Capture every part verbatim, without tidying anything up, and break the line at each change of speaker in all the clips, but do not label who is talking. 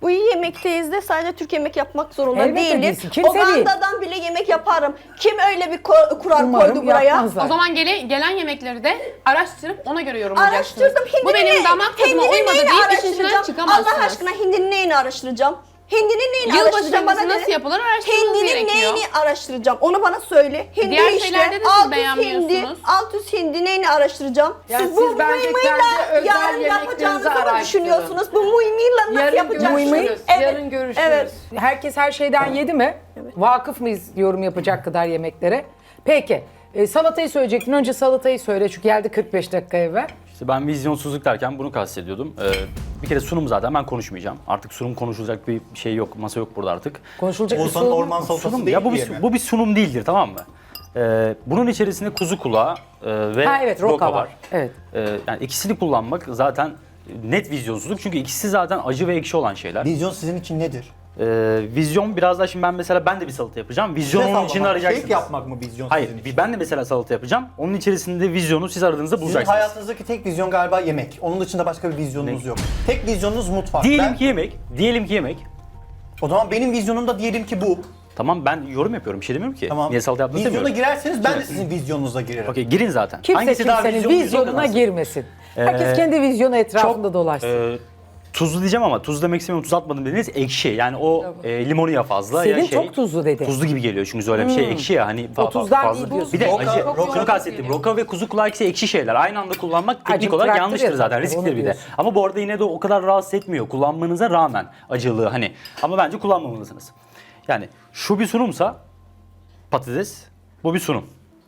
Bu yemekteyiz de sadece Türk yemek yapmak zorunda
Elbette
değiliz.
değilsin. Kimse değil.
Uganda'dan bile yemek yaparım. Kim öyle bir ko- kural
Umarım
koydu buraya?
yapmazlar.
O zaman gele, gelen yemekleri de araştırıp ona göre yorumlayacaksınız.
Araştırdım. Hindinin
Bu benim
ne-
damak tadıma
hindinin
uymadı
neyini
deyip işin içinden
araştıracağım?
çıkamazsınız.
Allah aşkına hindinin neyini araştıracağım? Hindinin neyini
Yılbaşı
araştıracağım bana
helvası nasıl
dedi.
yapılır araştırmanız
Hindinin
gerekiyor.
neyini araştıracağım? Onu bana söyle. Hindi
Diğer
işte.
şeylerde de siz
alt yüz
beğenmiyorsunuz.
hindi, alt yüz hindi neyini araştıracağım?
Yani
siz bu
siz bence
muymuyla
kendi özel
yarın
yemeklerinizi
yapacağınızı mı
araştırın.
düşünüyorsunuz? Bu muymuyla nasıl
Yarın
yapacaksınız?
görüşürüz.
Evet.
Yarın görüşürüz.
Evet.
Herkes her şeyden yedi mi? Vakıf mıyız yorum yapacak kadar yemeklere? Peki. E, salatayı söyleyecektin. Önce salatayı söyle çünkü geldi kırk beş dakika evvel.
İşte ben vizyonsuzluk derken bunu kastediyordum. Ee, bir kere sunum zaten ben konuşmayacağım. Artık sunum konuşulacak bir şey yok, masa yok burada artık.
Konuşulacak bir
Oğuzhan'ın
sorun
orman
yok.
salatası
Sunum
değil
ya bu
diye
bir,
mi?
bu bir sunum değildir, tamam mı? Ee, bunun içerisinde kuzu kulağı e, ve
Ha evet roka var. Evet.
Ee, yani ikisini kullanmak zaten net vizyonsuzluk çünkü ikisi zaten acı ve ekşi olan şeyler.
Vizyon sizin için nedir?
Ee, vizyon biraz daha şimdi ben mesela ben de bir salata yapacağım. Vizyonu onun içinde arayacaksınız.
Keyif yapmak mı vizyon
Hayır,
sizin için?
ben de mesela salata yapacağım. Onun içerisinde vizyonu siz aradığınızda
Sizin
bulacaksınız.
hayatınızdaki tek vizyon galiba yemek. Onun dışında başka bir vizyonunuz
Ne?
yok. Tek vizyonunuz mutfak.
Diyelim
Ben-
ki yemek, diyelim ki yemek.
O zaman benim vizyonum da diyelim ki bu.
Tamam ben yorum yapıyorum, bir şey demiyorum ki.
Tamam.
Niye salata yaptığınızı
Vizyona
demiyorum.
girerseniz ben de sizin vizyonunuza girerim.
Okey, girin zaten.
Kimse
Hangisi daha
kimsenin
vizyon, vizyon
vizyonuna
kazansın?
girmesin. Herkes
Ee,
kendi vizyonu etrafında dolaşsın.
Ee, tuzlu diyeceğim ama tuz demek istemiyorum, tuz atmadım dediniz, ekşi. Yani o e, limonu ya fazla
Selin
ya şey.
çok tuzlu dedi.
Tuzlu gibi geliyor çünkü öyle bir şey ekşi ya hani fa-
O tuzdan
fazla.
iyi diyorsun.
Bir de
Roka-
acı.
roka-
Şunu kastettim. Roka ve kuzu kulağı ikisi ekşi şeyler. Aynı anda kullanmak teknik
Acı
olarak
bıraktı
yanlıştır
ya
zaten.
zaten,
Riskli
onu
bir de.
diyorsun.
Ama bu arada yine de o kadar rahatsız etmiyor kullanmanıza rağmen acılığı hani. Ama bence kullanmamalısınız. Yani şu bir sunumsa patates, bu bir sunum.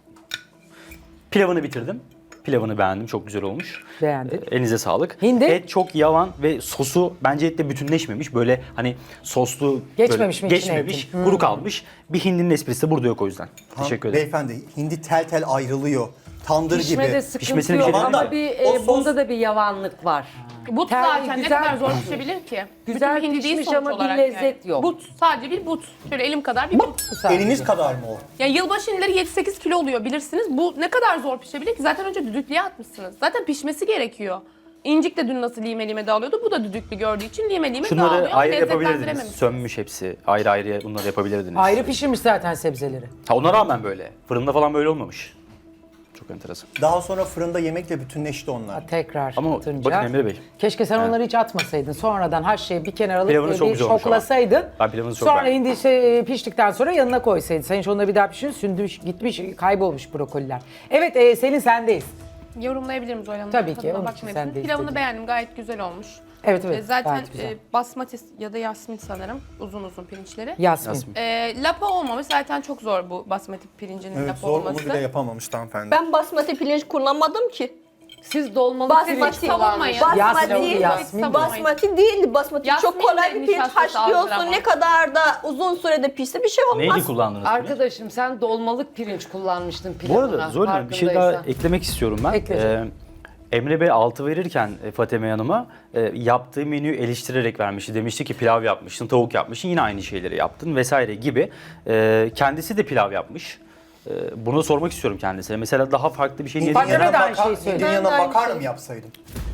Pilavını bitirdim. Pilavını beğendim. Çok güzel olmuş.
Beğendin.
Ee, Elinize sağlık.
Hindi?
Et çok yavan ve sosu bence etle bütünleşmemiş. Böyle hani soslu
Geçmemiş
böyle
mi içine
geçmemiş,
etin?
kuru kalmış. Bir hindinin esprisi de burada yok o yüzden. Teşekkür ederim.
Beyefendi hindi tel tel ayrılıyor. Tandır
Pişmede
gibi.
sıkıntı
Pişmesine bir
yok
şey
ama
demiyorum.
bir,
O
e,
sos-
bunda da bir yavanlık var.
But
Ter-
zaten
güzel-
ne kadar zor pişebilir ki?
Güzel
Bütün hindi değil
pişmiş
sonuç
ama bir
olarak
lezzet
yani.
yok.
But, sadece bir but. Şöyle elim kadar bir but.
Eliniz kadar mı o?
Ya yılbaşı hindileri yedi sekiz kilo oluyor bilirsiniz. Bu ne kadar zor pişebilir ki? Zaten önce düdüklüye atmışsınız. Zaten pişmesi gerekiyor. İncik de dün nasıl lime lime dağılıyordu. Bu da düdüklü gördüğü için lime lime dağılıyor.
Şunları
ama
ayrı yapabilirdiniz.
lezzetlendirememişsiniz.
Sönmüş hepsi. Ayrı ayrı bunları yapabilirdiniz.
Ayrı pişirmiş zaten sebzeleri.
Ha ona rağmen böyle. Fırında falan böyle olmamış. Çok enteresan.
Daha sonra fırında yemekle bütünleşti onlar.
Tekrar
Ama
atınca.
bakın Emre Bey.
Keşke sen onları hiç atmasaydın. Sonradan her şeyi bir kenara alıp
Pilavınız
böyle
çok
bir
güzel olmuş ama.
şoklasaydın.
Ben pilavınızı çok
Sonra
beğendim.
hindi şey, piştikten sonra yanına koysaydın. Sen hiç onları bir daha pişirin. Sündürmüş, gitmiş, kaybolmuş brokoliler. Evet e, Selin sendeyiz.
Yorumlayabilirim Zoyla Hanım.
Tabii ki,
Tadına
onun için
bakmayın.
sen de
Pilavını
istedin.
beğendim. Gayet güzel olmuş.
Evet evet.
E, Zaten
gayet güzel.
e, basmati ya da yasmin sanırım. Uzun uzun pirinçleri.
Yasmin.
Yasmin.
E, lapa olmamış. Zaten çok zor bu basmati pirincinin
Evet
lapa
zor onu
olması.
bile yapamamış hanımefendi.
Ben basmati pirinç kullanmadım ki.
Siz dolmalık
Basmati
pirinç
savunmayın.
kullanmışsınız.
Yasmin,
Basmati,
Yasmin.
basmati değil. Basmati
Yasmin
çok kolay
de
bir pirinç
nişastası
haşlıyorsun.
azdır ama.
Ne kadar da uzun sürede pişse bir şey olmaz.
Neydi kullandınız?
Arkadaşım sen dolmalık pirinç kullanmıştın
Bu
pilavına.
arada Zoyla Hanım, bir şey daha
farkındaysan.
eklemek istiyorum ben.
Ekle canım.
Ee, Emre Bey altı verirken e, Fatime Hanım'a e, yaptığı menüyü eleştirerek vermişti. Demişti ki pilav yapmışsın, tavuk yapmışsın, yine aynı şeyleri yaptın vesaire gibi. E, kendisi de pilav yapmış. E, bunu sormak istiyorum kendisine. Mesela daha farklı bir şey niye...
Fatime
Hindinin
de
yanına,
aynı
bakar,
şeyi söyledi.
hindinin
Ben de
yanına
aynı
makarna
şey.
mı yapsaydım?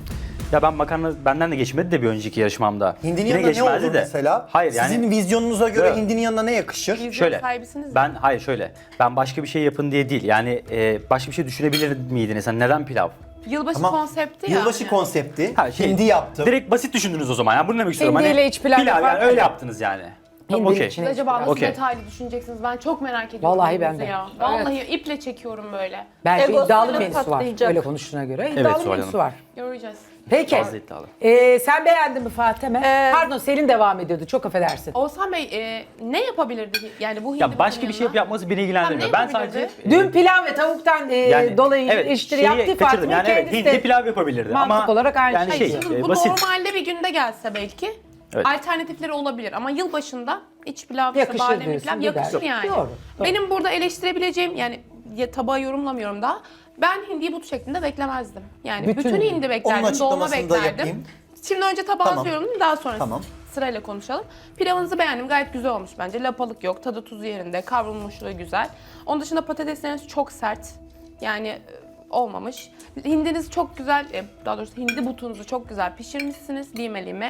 Ya ben makarna benden de geçmedi de bir önceki yarışmamda.
Hindinin
Yine
yanına ne
geçmezdi
olur
de.
mesela?
Hayır yani...
Sizin vizyonunuza göre
Evet.
hindinin yanına ne yakışır?
Vizyon
Şöyle,
sahibisiniz
ben hayır şöyle, ben başka bir şey yapın diye değil. Yani e, başka bir şey düşünebilir miydiniz? Hani neden pilav?
Yılbaşı
Ama
konsepti ya.
Yılbaşı
yani.
konsepti.
Ha, şey,
hindi yaptım.
Direkt basit düşündünüz o zaman. Yani bunu demek istiyorum.
Hindiyle
hani,
iç pilav
pilav
yapar
yani öyle
mı?
yaptınız yani. Tamam,
Hindinin
okey.
içine
Siz acaba nasıl
Okey.
detaylı düşüneceksiniz? Ben çok merak ediyorum.
Vallahi ben
menünüzü
de.
Ya. Vallahi iple çekiyorum böyle.
Belki
Egosuyla
iddialı menüsü var.
patlayacak.
Öyle konuştuğuna göre iddialı
Evet, Zuhal
menüsü
Hanım.
var.
Göreceğiz.
Peki.
Fazla iddialı.
Ee, sen beğendin mi Fatime?
Ee,
Pardon Selin devam ediyordu. Çok affedersin.
Oğuzhan Bey e, ne yapabilirdi? Yani bu hindi
Ya başka
butunun
bir şey
yanına?
yapması beni ilgilendirmiyor.
Tamam,
Ben
ne
sadece...
yapabilirdi?
Dün pilav ve tavuktan e, dolayı eleştiri
şeyi
yaptı
kaçırdım.
Fatime.
Yani evet,
kendisi
hindi
de
pilav yapabilirdi
mantık
ama...
olarak aynı
yani
şey.
şey,
Şimdi
e,
bu
basit.
normalde bir günde gelse belki
Evet.
alternatifleri olabilir ama yılbaşında iç pilav, işte
Yakışır
bademli
diyorsun,
pilav
gider.
yakışır yani.
Doğru, doğru.
Benim burada eleştirebileceğim yani ya, tabağı yorumlamıyorum daha. Ben hindiyi but şeklinde beklemezdim. Yani
Bütün
bütün,
hindi.
hindi
Onun
beklerdim, dolma
açıklamasını da
beklerdim.
yapayım.
Şimdi önce tabağınızı
Tamam.
yorumlayayım daha sonra
Tamam.
sırayla konuşalım. Pilavınızı beğendim gayet güzel olmuş bence. Lapalık yok, tadı tuzu yerinde, kavrulmuşluğu güzel. Onun dışında patatesleriniz çok sert. Yani e, olmamış. Hindiniz çok güzel, e, daha doğrusu hindi butunuzu çok güzel pişirmişsiniz lime lime.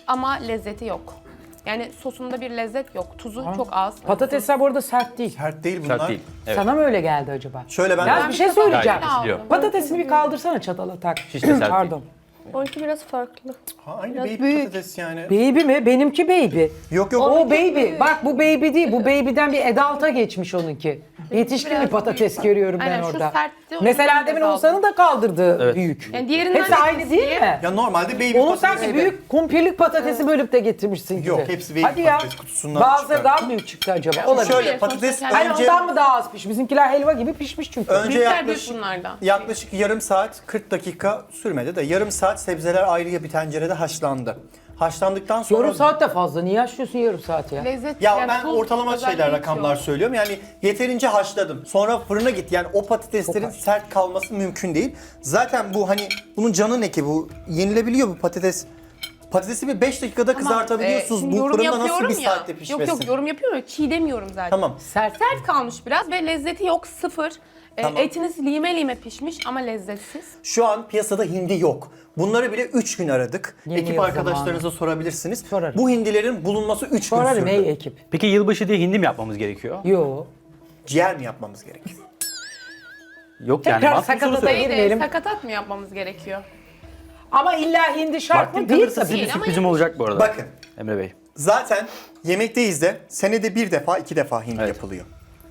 ama lezzeti yok. Yani sosunda bir lezzet yok. Tuzu çok az.
Patatesler bu arada sert değil.
Sert değil bunlar.
Sert değil. Evet.
Sana mı öyle geldi acaba?
Şöyle ben...
Ya bir şey söyleyeceğim.
Gayet pişiriyor.
Patatesini bir kaldırsana çatala tak.
Hiç de sert
Pardon.
Onunki biraz farklı.
Ha, aynı
Biraz
baby
büyük.
patates yani.
Baby mi? Benimki baby.
Yok yok.
O baby. Bak bu baby değil. Bu baby'den bir adult'a geçmiş onunki. Yetişkin bir
Biraz
patates
büyük.
görüyorum ben
Aynen, şu
orada.
sertti, o
Mesela
yüzden
demin
biraz
Oğuzhan'ın da kaldırdığı
Evet.
büyük.
Yani diğerinden
Hepsi
de
aynı değil
keseyim.
mi?
Ya normalde baby
Onun
patates.
sanki büyük kumpirlik patatesi bölüp de getirmişsin gibi.
Yok, hepsi baby
Hadi ya.
patates kutusundan
Bazıları
çıkar.
daha büyük çıktı acaba. Olabilir.
Şöyle
Sonuçta
patates
kendi-
Hani
önce,
ondan mı daha az pişmiş? Bizimkiler helva gibi pişmiş çünkü.
önce
Büyükler büyük
yaklaşık,
bunlardan.
yaklaşık yarım saat kırk dakika sürmedi de yarım saat sebzeler ayrıya bir tencerede haşlandı. Haşlandıktan sonra...
Yarım saat de fazla. Niye yaşlıyorsun yarım saat ya?
Lezzet,
Ya
yani
ben
tuz
ortalama
özelliği
şeyler,
hiç
rakamlar
yok.
söylüyorum. Yani yeterince haşladım. Sonra fırına gitti. Yani o patateslerin
Çok haş.
sert kalması mümkün değil. Zaten bu hani bunun canı ne ki bu? Yenilebiliyor bu patates. Patatesi bir beş dakikada
Ama,
kızartabiliyorsunuz.
e, şimdi
bu
yorum
fırında nasıl
yapıyorum
bir
ya.
saatte pişmesin?
Yok yok yorum yapıyorum ya, çiğ demiyorum zaten.
Tamam.
Sert.
Sert kalmış biraz ve lezzeti yok, sıfır. E,
Tamam.
etiniz lime lime pişmiş ama lezzetsiz.
Şu an piyasada hindi yok. Bunları bile üç gün aradık.
Yeni
Ekip
yıl
arkadaşlarınıza sorabilirsiniz.
Sorarım.
Bu hindilerin bulunması üç gün
Sorarım
sürdü.
ey ekip.
Peki yılbaşı diye hindi mi yapmamız gerekiyor?
Yo.
Ciğer mi yapmamız gerekiyor?
Yok yani.
Tekrar
mantıklı soru
sakatata
söylüyorum.
Neydi?
girmeyelim.
Sakatat mı yapmamız gerekiyor?
Ama illa hindi şart
Vaktim
mı? Değil
kalırsa
tabii.
size bir
Değil ama
sürprizim olacak bu arada.
Bakın.
Emre Bey.
Zaten yemekteyiz de senede bir defa iki defa hindi
Evet.
yapılıyor.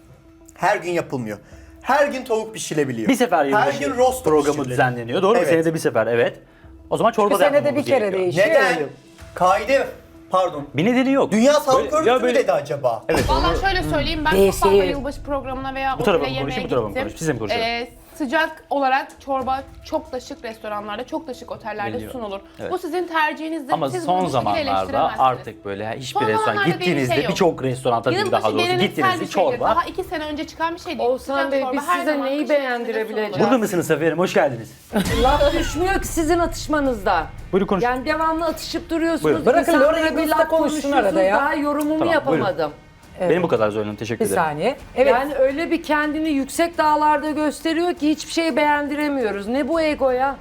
Her gün yapılmıyor. Her gün tavuk pişirebiliyor.
Bir sefer
Her
yılbaşı
gün roast
programı
pişirilebiliyor.
düzenleniyor. Doğru mu?
Evet.
Senede bir sefer, evet. O zaman çorba
Bir
da
senede
yapmamamız
bir kere
gerekiyor.
değişiyor.
Neden?
Öyle.
Kaide, pardon.
Bir nedeni yok.
Dünya Sağlık
Böyle-
Örgütü
ya
mü
böyle-
dedi acaba?
Evet.
Vallahi şöyle söyleyeyim, ben çok
Değişik.
fazla yılbaşı programına veya
Bu tarafa
otele
mı
yemeğe
konuşayım, bu tarafa mı
gittim.
konuşayım? Siz de mi konuşalım?
Ee, sıcak olarak çorba çok da şık restoranlarda, çok da şık otellerde
Veriliyor.
sunulur.
Evet.
Bu sizin tercihinizdir.
Ama
Siz
son
bunu bu şekilde
zamanlarda
eleştiremezsiniz.
artık böyle hiçbir
Son
restoran
zamanlarda diye bir
gittiğinizde
şey yok.
birçok restoran tabii
Yılbaşı
daha doğrusu
geleneksel
gittiğinizde
bir şeydir.
çorba.
Daha iki sene önce çıkan bir şey değil.
Oğuzhan
Sıcak
Bey,
çorba
biz
her
size
zaman
neyi
kışın içinde
beğendirebileceğiz?
sunulur.
Burada mısınız Safiye Hanım? Hoş geldiniz.
Laf düşmüyor ki sizin atışmanızda.
Buyurun konuş.
Yani devamlı atışıp duruyorsunuz.
Buyurun.
Bırakın
İnsanlara
Laura'yı
bir
kızla
laf
konuşsun
konuşuyorsunuz,
arada ya.
Daha yorumumu
Tamam,
yapamadım.
Benim bu kadar Zoyla Hanım. Teşekkür
Bir
ederim.
saniye. Evet.
Yani öyle bir kendini yüksek dağlarda gösteriyor ki hiçbir şeyi beğendiremiyoruz. Ne bu egoya?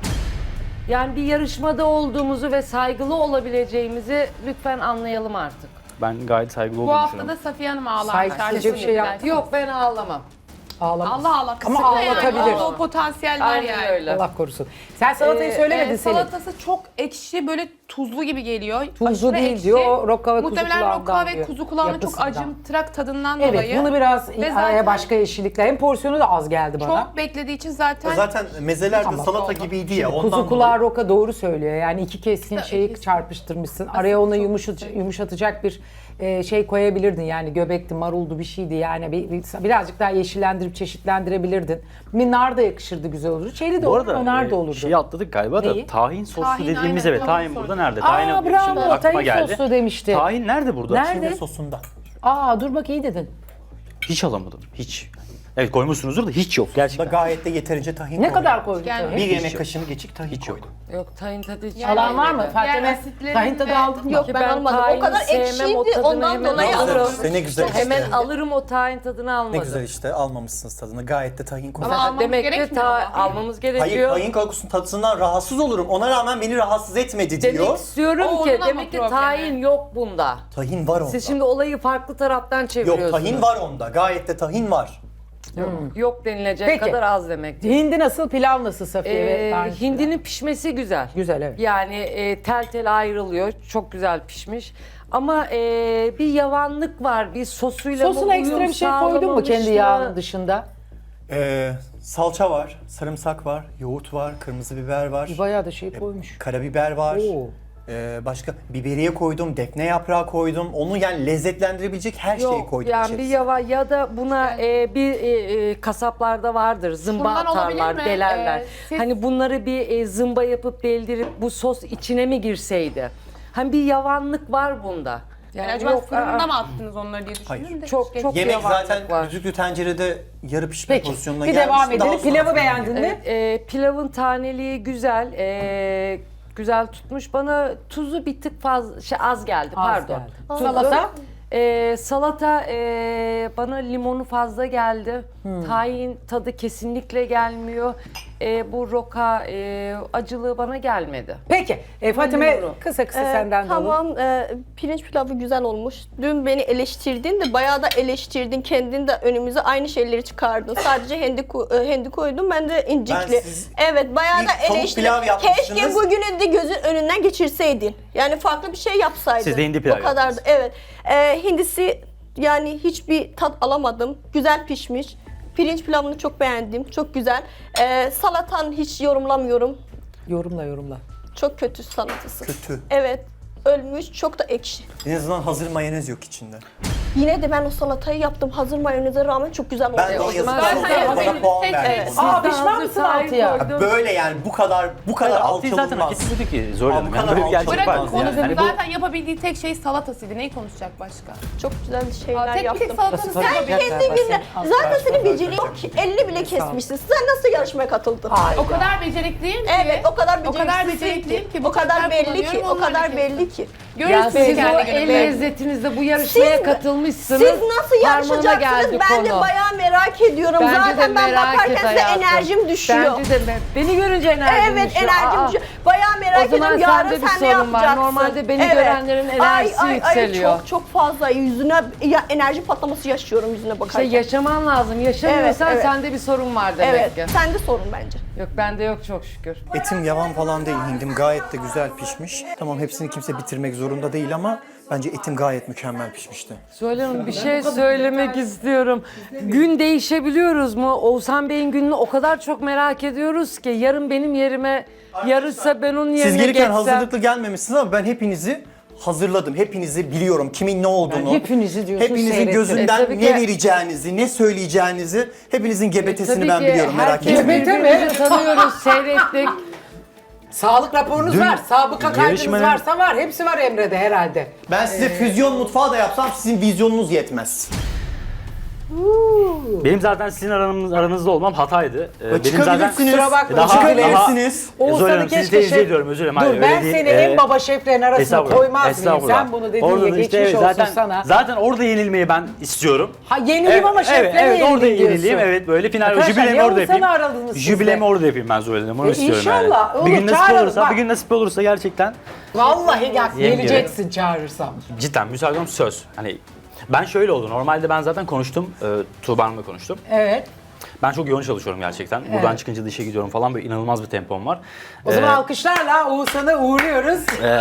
Yani bir yarışmada olduğumuzu ve saygılı olabileceğimizi lütfen anlayalım artık.
Ben gayet saygılı
Bu
olduğumu
hafta
düşünüyorum.
da Safiye Hanım ağlar.
Saygısızca bir şey yaptı.
Yok, ben ağlamam.
Ağlamaz.
Allah Allah.
Ama
kısıtlı yani.
ağlatabilir.
O, o potansiyel var
Aynen
yani.
öyle.
Allah korusun. Sen salatayı
Ee,
söylemedin
e,
Selin.
Salatası çok ekşi, böyle tuzlu gibi geliyor.
Tuzlu
Aşırı
değil
ekşi.
diyor, roka ve kuzu
Muhtemelen
kulağından
roka ve
diyor,
kuzu kulağının çok
yapısından.
acımtırak tadından
Evet,
dolayı.
bunu biraz
Ve
araya
zaten
başka yeşillikler. Hem porsiyonu da az geldi bana.
çok beklediği için zaten,
Zaten mezeler de
Tamam.
salata
Oldu.
gibiydi ya. Ondan
Kuzu kulağı
dolayı.
roka doğru söylüyor. Yani iki keskin
İşte
şeyi
ikisi.
çarpıştırmışsın. Araya ona
çok
yumuşat,
güzel.
yumuşatacak bir e, şey koyabilirdin. Yani göbekti, maruldu bir şeydi. Yani bir, bir- birazcık daha yeşillendirip çeşitlendirebilirdin. Bir nar da yakışırdı, güzel olurdu. Şeyli de
Bu
olur,
arada
nar da
e,
olurdu.
şeyi atladık galiba
Neyi?
da tahin soslu
Tahin,
dediğimiz
aynen,
evet
tahin
tahin
sosu.
burada nerede?
Aa,
Tahin yok.
bravo,
Şimdi aklıma
tahin
geldi.
sosu demişti.
Tahin nerede burada?
Nerede?
Şimdi sosunda.
Aa dur bak iyi dedin.
Hiç alamadım. Hiç. Evet koymuşsunuzdur da hiç yok
Da
gerçekten.
gayet de yeterince tahin
Ne
koydum.
kadar koydun?
Yani-
tahin?
Bir
Hiç
yemek
yok.
kaşığı geçik tahin
Hiç yok.
koydum.
Yok, tahin tadı hiç
Alan var mı?
Yani
Fatime
asitlerin
tahin tadı
ve-
aldın mı?
Yok
Ki
ben,
ben
almadım. O
tahini
kadar
sevmem,
ekşiydi
o tadını
ondan
hemen
dolayı
alırım.
almadım.
İşte ne güzel işte.
Hemen alırım o tahin tadını almadım.
Ne güzel işte almamışsınız tadını. Gayet de tahin koydum.
Ama almamız
Demek ki
gerekmiyor
ta-
ama.
almamız
Hayır,
gerekiyor.
tahin kokusunun tadından rahatsız olurum. Ona rağmen beni rahatsız etmedi
Demek
diyor.
istiyorum
O
ki
onun ama
demek ki
problemi.
tahin yok bunda.
Tahin var onda.
Siz şimdi olayı farklı taraftan
Yok
çeviriyorsunuz.
tahin var onda. Gayet de tahin var.
Yok denilecek
Peki.
kadar az demek.
Hindi nasıl, pilav nasıl Safiye? ve
Ee,
tahin?
hindinin pişmesi güzel.
Güzel evet.
Yani e, tel tel ayrılıyor. Çok güzel pişmiş. Ama e, bir yavanlık var. Bir sosuyla mı
Sosuna ekstra
uyum
bir şey koydun mu
sağlamamış
kendi
mı?
yağının dışında?
Ee, salça var, sarımsak var, yoğurt var, kırmızı biber var,
Bayağı da şey koymuş.
karabiber var.
Oo.
Ee, başka biberiye koydum, defne yaprağı koydum. Onu yani lezzetlendirebilecek her şeyi
Yok
koydum
yani
içerisine.
bir yava ya da buna e, bir e, e, kasaplarda vardır zımba
Şundan olabilir
atarlar,
mi?
delerler.
Ee, siz-
Hani bunları bir e, zımba yapıp deldirip bu sos içine mi girseydi? Hani bir yavanlık var bunda.
Yani acaba
yok,
fırında
aa,
mı attınız onları diye düşündüm
Hayır.
de.
Çok-
hiç
çok
geç-
Yemek
yavanlık
zaten
var.
düdüklü tencerede yarı pişme
Peki
pozisyonuna
bir
gelmiş.
devam
Daha
edelim. Pilavı
sonrasında-
beğendin mi?
Evet, e, pilavın taneliği güzel, e, güzel tutmuş. Bana tuzu bir tık fazla, şey az geldi.
Az
pardon.
geldi.
Tuzu-
Salata?
E, salata e, bana limonu fazla geldi.
Hmm.
Tahin tadı kesinlikle gelmiyor. e, bu roka e, acılığı bana gelmedi.
Peki e, Fatime
Buyurun.
kısa kısa
Ee,
senden de alalım.
Tamam, e, pirinç pilavı güzel olmuş. Dün beni eleştirdin de bayağı da eleştirdin. Kendin de önümüze aynı şeyleri çıkardın. Sadece hindi, ko- e, hindi koydum, ben de incikli.
Ben siz
evet, bayağı
ilk
da
tavuk
eleştirdin.
pilav yapmışsınız.
Keşke bugünü de gözün önünden geçirseydin. Yani farklı bir şey yapsaydın.
Siz de hindi pilav
O kadar da, evet. E, hindisi yani hiçbir tat alamadım. Güzel pişmiş. Pirinç pilavını çok beğendim. Çok güzel. E, salatan hiç yorumlamıyorum.
Yorumla yorumla.
Çok kötü salatası.
Kötü.
Evet. Ölmüş, çok da ekşi.
En azından hazır mayonez yok içinde.
Yine de ben o salatayı yaptım. Hazır mayoneze rağmen çok güzel oldu.
Ben de o
zaman
yazıdan
zaten
sonra bana
yapabiliriz.
puan
Tek-
verdim.
evet.
Aa
Siz de
pişman
hazır
mısın
sahip
altıya?
koydum.
Böyle yani bu kadar bu kadar
Altıyı zaten hak
alçalınmaz.
etmedi ki Zuhal
Aa,
Hanım.
bu
Yani
kadar
böyle bir gerçek
alçak
var.
Bırakın
olmaz
Yani.
konuşun.
Hani bu-
Zaten yapabildiği tek şey salatasıydı. Neyi konuşacak başka?
Çok güzel şeyler
Aa, tek bir
yaptım.
tek salatanız
Sen
Sen
yapabilir.
kendi bilin. Zaten senin beceri yok ki. elli bile kesmişsin. Sen nasıl yarışmaya katıldın?
O kadar becerikliyim ki.
Evet, o kadar
O kadar
beceriksizsin
becerikliyim
ki.
ki.
O kadar belli ki.
kullanıyorum,
O kadar
onlarla
belli ki.
Ya
Görürsünüz
siz o
kendi
el
gününüzde.
lezzetinizde bu yarışmaya
Siz-
katılmışsınız.
Siz nasıl
Parmağına
yarışacaksınız?
geldi
Ben de
konu.
bayağı merak ediyorum.
Bence de
Zaten ben
merak et
bakarken size
hayatım.
enerjim düşüyor.
Bence de ben- beni görünce enerjim
Evet,
düşüyor.
enerjim
Aa,
düşüyor. Bayağı merak
O zaman
ediyorum. Yarın
sende bir
sen ne
sorun var.
yapacaksın?
Normalde beni görenlerin enerjisi
ay, ay,
yükseliyor.
Ay, çok çok fazla yüzüne ya, enerji patlaması yaşıyorum yüzüne
İşte
bakarken.
yaşaman lazım. Yaşamıyorsan
Evet, evet.
sende bir sorun var demek
evet,
ki.
sende sorun bence.
Yok bende yok çok şükür.
Etim yavan falan değil, hindim gayet de güzel pişmiş. Tamam hepsini kimse bitirmek zorunda değil ama bence etim gayet mükemmel pişmişti.
Zuhal Hanım bir şey söylemek istiyorum. Gün değişebiliyoruz mu? Oğuzhan Bey'in gününü o kadar çok merak ediyoruz ki yarın benim yerime yarışsa ben onun yerine
Siz gelirken
geçsem.
hazırlıklı gelmemişsiniz ama ben hepinizi hazırladım. Hepinizi biliyorum kimin ne olduğunu.
Yani hepinizi diyorsun,
Hepinizin
seyrettim.
gözünden
E, tabii
ne
ki-
vereceğinizi, ne söyleyeceğinizi, hepinizin gebetesini
Tabii
ben
ki
biliyorum merak
herkes
etmeyin.
Gebete mi?
birbirimizi tanıyoruz, seyrettik.
Sağlık raporunuz
Dün
var, sabıka kaydınız
yarışmanın-
varsa var. Hepsi var Emre'de herhalde.
Ben size füzyon mutfağı da yapsam sizin vizyonunuz yetmez.
Benim zaten sizin aranız, aranızda olmam hataydı. Ee, benim
Çıkabilirsiniz.
kusura bakma,
Daha-
çıkabilirsiniz.
Zuhal
Oğuzhan'ı
Hanım, sizi
keşke
tenzih
şey-
ediyorum, özür dilerim.
Dur
Hayır,
ben
öyle değil.
seni
Ee,
en baba şeflerin arasına
Estağfurullah,
koymaz mıyım?
estağfurullah.
Sen bunu dediğin
Orada
ya
da
geçmiş
işte,
olsun
zaten,
sana.
Zaten orada yenilmeyi ben istiyorum.
Ha yenileyim ama şeflere
evet, evet, orada
yenileyim
yenileyim.
diyorsun.
Evet böyle final
Arkadaşlar,
jübilemi
ya
orada
Oğuzhan'ı
yapayım.
aradınız siz
Jübilemi
de.
orada yapayım ben Zuhal Hanım. Onu
E,
istiyorum
inşallah,
yani.
olur,
Bir gün nasip
çağıralım,
olursa,
bak.
bir gün nasip olursa gerçekten
Vallahi gel,
Yem
geleceksin çağırırsam.
cidden müsaadım söz. Hani ben şöyle oldu. Normalde ben zaten konuştum. E, Tuğba Hanım'la konuştum.
Evet.
Ben çok yoğun çalışıyorum gerçekten. Buradan
Evet.
çıkınca da işe gidiyorum falan, böyle inanılmaz bir tempom var.
O zaman
Ee,
alkışlarla Oğuzhan'ı uğurluyoruz.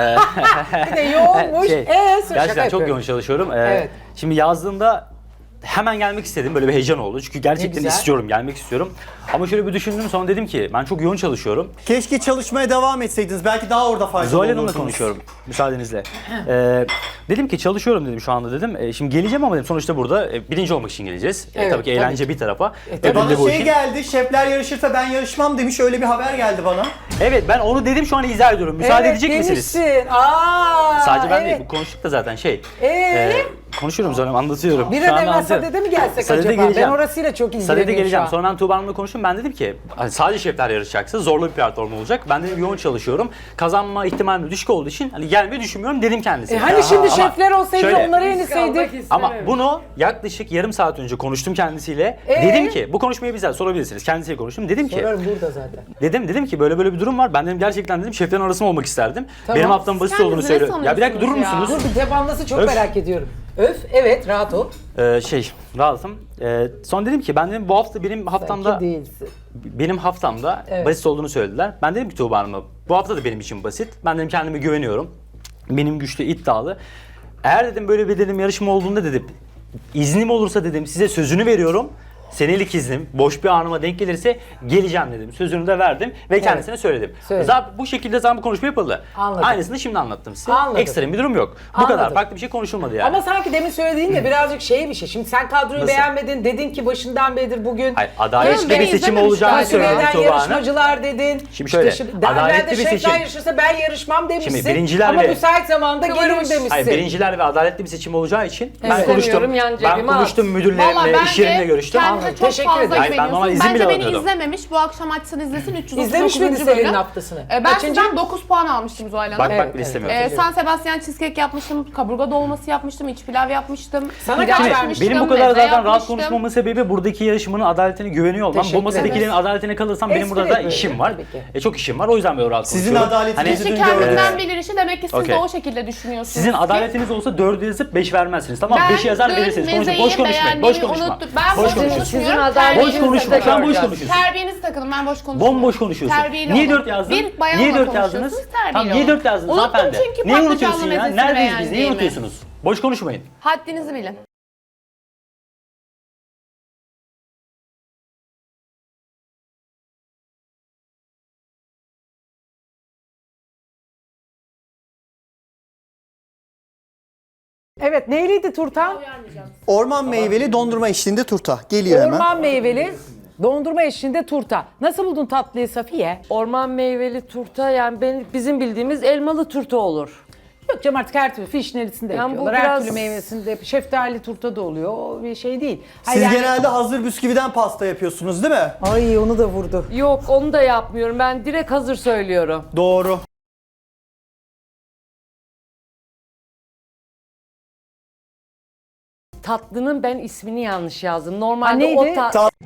bir de yoğunmuş.
şey,
Ee, şaka
gerçekten çok
yapıyorum.
yoğun çalışıyorum. Ee,
Evet.
Şimdi yazdığımda hemen gelmek istedim. Böyle bir heyecan oldu. Çünkü gerçekten
güzel.
istiyorum, gelmek istiyorum. Ama şöyle bir düşündüm, sonra dedim ki ben çok yoğun çalışıyorum.
Keşke çalışmaya devam etseydiniz. Belki daha orada faydalı
Zuhal
olurdunuz.
Hanım'la konuşuyorum müsaadenizle. Ee, dedim ki çalışıyorum dedim şu anda dedim. Ee, şimdi geleceğim ama dedim sonuçta burada e, birinci olmak için geleceğiz. E,
Evet,
tabii ki
tabii
eğlence
ki.
bir tarafa.
tabii.
ödül
Bana
de bu
şey
işin.
geldi, şefler yarışırsa ben yarışmam demiş. Öyle bir haber geldi bana.
Evet ben onu dedim, şu an izah ediyorum. Müsaade
Evet,
edecek misiniz?
demişsin. Aa,
Sadece ben
evet.
değil, bu konuştuk da zaten şey.
Ee?
e, konuşuyorum sonra anlatıyorum.
Bir
Şu
an
an
evvel
anlatıyorum.
Sade'de mi gelsek
Sade'de
acaba?
geleceğim.
Ben orasıyla çok ilgileniyorum
Sade'de geleceğim.
şu an.
Sonra ben Tuğba Hanım'la konuştum. Ben dedim ki hani sadece şefler yarışacaksa zorlu bir platform olacak. Ben dedim yoğun çalışıyorum. Kazanma ihtimalim düşük olduğu için hani gelmeyi düşünmüyorum dedim kendisine.
E hani şimdi
Ama
şefler olsaydı
şöyle-
onları
Kalmak
yeniseydik.
istememiş.
Ama bunu yaklaşık yarım saat önce konuştum kendisiyle.
Ee?
Dedim ki bu konuşmayı bize sorabilirsiniz. Kendisiyle konuştum. Dedim ki
Sorarım burada zaten.
dedim dedim ki böyle böyle bir durum var. Ben dedim gerçekten dedim şeflerin arasında olmak isterdim.
Tamam.
Benim haftamın basit olduğunu
Kendinizi ne
söylüyor. Ya bir dakika durur
sanıyorsunuz ya?
musunuz?
Dur bir devamlısı çok
Öf.
merak ediyorum. Öf, evet rahat ol.
Ee, şey rahatım. Ee, sonra dedim ki ben dedim bu hafta benim haftamda
Sanki değilsin.
benim haftamda
Evet.
basit olduğunu söylediler. Ben dedim ki Tuğba Hanım'a bu hafta da benim için basit. Ben dedim kendime güveniyorum. Benim güçlü, iddialı. Eğer dedim böyle bir dedim yarışma olduğunda dedim iznim olursa dedim size sözünü veriyorum. Senelik iznim boş bir anıma denk gelirse geleceğim dedim. Sözünü de verdim ve kendisine söyledim.
Söyledin.
Zaten bu şekilde zaten bu konuşma yapıldı.
Anladım.
Aynısını şimdi anlattım size.
Anladım.
Ekstrem bir durum yok. Bu
Anladım.
kadar. Farklı bir şey konuşulmadı yani.
Ama sanki demin söylediğin de birazcık şey bir şey. Şimdi sen kadroyu
Nasıl?
beğenmedin. Dedin ki başından beridir bugün.
Hayır, adaletli
Canım,
bir
beni
seçim
izlememiş
olacağını
daha.
söyledi
Eden
Tuğba Hanım.
yarışmacılar dedin.
Şimdi şöyle,
işte daha
adaletli
evvel de
bir
şefler
seçim.
yarışırsa ben yarışmam demişsin.
Şimdi birinciler
Ama
ve-
müsait zamanda gelirim
Kıvırmış.
demişsin.
Hayır birinciler ve adaletli bir seçim olacağı için ben
Evet.
konuştum.
İstemiyorum, yan
Ben
cebime
konuştum
Vallahi
müdürlerimle,
bence
iş yerimle görüştüm.
kendinizi Bence çok
Teşekkür
fazla
ederim.
Hayır, ben normal
güveniyorsun.
izin
Bence
bile
beni
alamıyordum.
izlememiş. Bu akşam açsın izlesin. üç yüz otuz
İzlemiş
dokuzuncu
miydi
bölüm.
Selin'in haftasını?
E, ben
Kaçıncı?
sizden dokuz puan almıştım Zuhal Hanım.
Bak
Evet,
bak bile
evet.
istemiyorum.
Ee, San Sebastian cheesecake yapmıştım, kaburga dolması yapmıştım, iç pilav yapmıştım.
Sana
pilav
kaç
Şimdi
vermiş?
benim bu
meze
kadar zaten rahat
yapmıştım.
konuşmamın sebebi buradaki yarışmanın adaletine güveniyor olmam.
Teşekkür
Bu masadakilerin
ederiz.
adaletine kalırsam benim
Espri
burada da
yapıyorum,
işim var.
tabii ki.
E, çok işim var. O yüzden böyle rahat
Sizin
konuşuyorum.
adaletinizi
Kişi
dün gördüm.
kendinden bilir işi, demek ki siz
Okey.
de o şekilde düşünüyorsunuz.
Sizin
ki.
adaletiniz olsa dördü yazıp beş vermezsiniz. Tamam mı?
Ben
beşi yazar
dün
verirsiniz. Konuşun.
mezeyi
Boş konuşmayın. Boş
beğendiğimi
konuşma.
unuttum. Ben
Boş
boş
konuşma.
konuşmuyorum.
Sizin adaletinizi
Boş
Terbiyenizi
konuşma.
takın.
Şu an boş
göreceğiz.
konuşuyorsun.
Terbiyenizi takın, ben boş konuşmuyorum.
Bomboş konuşuyorsun.
Terbiyeli
Niye
olun.
dört yazdın?
Bir bayanla
Niye dört
konuşuyorsunuz,
yazdınız?
terbiyeli
Tamam niye
olun.
dört yazdınız
Unuttum
hanımefendi?
çünkü
Niye
patlıcanlı
unutuyorsun ya?
mezesini
Neredeyiz biz? Niye
beğendiğimi.
unutuyorsunuz? Boş konuşmayın.
Haddinizi bilin.
Evet neyliydi turtan?
Orman meyveli dondurma eşliğinde turta. Geliyor hemen.
Orman meyveli dondurma eşliğinde turta. Nasıl buldun tatlıyı Safiye?
Orman meyveli turta yani ben, bizim bildiğimiz elmalı turta olur.
Yok canım artık her türlü fişnelisinde
Yani bu
yapıyorlar. Her
biraz-
türlü meyvesinde, şeftali turta da oluyor. O bir şey değil.
Siz
Hayır, yani-
genelde hazır bisküviden pasta yapıyorsunuz değil mi?
Ay onu da vurdu.
Yok onu da yapmıyorum. Ben direkt hazır söylüyorum.
Doğru.
Tatlının ben ismini yanlış yazdım.
Ha,
Normalde
neydi?
o ta-
Ta-